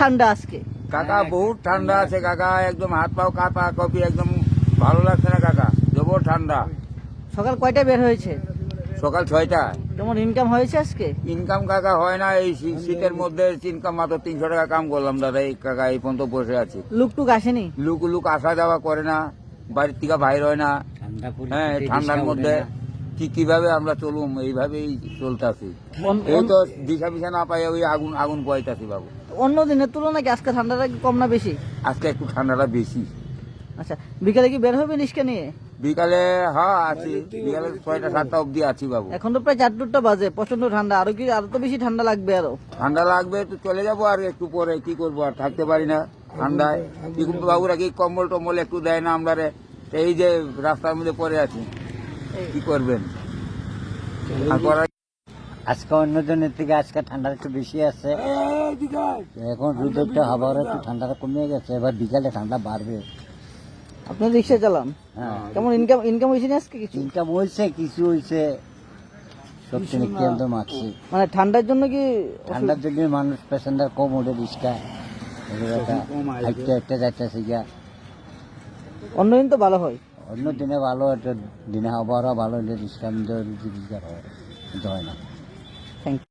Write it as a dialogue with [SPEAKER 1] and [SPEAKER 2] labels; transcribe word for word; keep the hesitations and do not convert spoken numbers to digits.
[SPEAKER 1] ঠান্ডা আজকে?
[SPEAKER 2] কাকা বহুত ঠান্ডা আছে কাকা, একদম হাত পাও কাঁপা কপি, একদম ভালো লাগছে না কাকা, জবর ঠান্ডা।
[SPEAKER 1] সকাল কয়টায় বের হয়েছে?
[SPEAKER 2] সকাল ছয়টা।
[SPEAKER 1] কেমন ইনকাম হয়েছে আজকে?
[SPEAKER 2] ইনকাম কাকা হয় না, এই শী- শীতের মধ্যে ইনকাম মাত্র তিনশো টাকা কাম করলাম দাদা। এই কাকা এই পর্যন্ত বসে আছি।
[SPEAKER 1] লুকটুক আসেনি?
[SPEAKER 2] লুক লুক আসা যাওয়া করে না, বাড়ির থেকে বাইর হয় না। হ্যাঁ, ঠান্ডার মধ্যে কি কিভাবে আমরা চলুম, এইভাবেই চলতেছি।
[SPEAKER 1] অন-
[SPEAKER 2] এই
[SPEAKER 1] অন-
[SPEAKER 2] তো দিশা পিছা না পাই, ওই আগুন আগুন পয়তাছি বাবু।
[SPEAKER 1] অন্য দিনের তুলনায় কি আজকে ঠান্ডাটা কি কম না বেশি?
[SPEAKER 2] আজকে একটু ঠান্ডাটা বেশি।
[SPEAKER 1] আচ্ছা, বিকালে কি বের হবে নিষ্কা নিয়ে?
[SPEAKER 2] বিকালে হ্যাঁ আছি, বিকালে ছয়টা সাতটা অবধি আছি বাবু।
[SPEAKER 1] এখন তো প্রায় চারটা বাজে, প্রচন্ড ঠান্ডা। আরো কি আরো তো বেশি ঠান্ডা লাগবে আরো?
[SPEAKER 2] ঠান্ডা লাগবে তো চলে যাবো আর একটু পরে, কি করবো আর থাকতে পারি না ঠান্ডায়। কি করবো বাবুরা, কি কম্বল টম্বল একটু দেয় না আমরা রে, এই যে রাস্তার মধ্যে পড়ে আছি, কি করবেন আর করার।
[SPEAKER 3] আজকে অন্য দিনের থেকে আজকে ঠান্ডা একটু বেশি আছে। এখন রোদটা হাওয়ার একটু ঠান্ডাটা কমে গেছে, এবার বিকালে ঠান্ডা বাড়বে।
[SPEAKER 1] আপনি রিক্সা চালান?
[SPEAKER 3] হ্যাঁ,
[SPEAKER 1] কেমন ইনকাম ইনকাম হয়েছে না আজকে কিছু?
[SPEAKER 3] ইনকাম হয়েছে, কিছু হয়েছে, সব থেকে কেন্দ্র মারছি।
[SPEAKER 1] মানে ঠান্ডার জন্য কি?
[SPEAKER 3] ঠান্ডার জন্য মানুষ প্যাসেঞ্জার কম ওঠে, রিক্সা হাইটে হাইটে যাইতেছে গিয়া।
[SPEAKER 1] অন্য দিন তো ভালো হয়।
[SPEAKER 3] অন্য দিনে ভালো, একটা দিনে আবহাওয়া ভালো হলে রিক্সা রোজগার হয়, কিন্তু হয় না।
[SPEAKER 1] Thank you.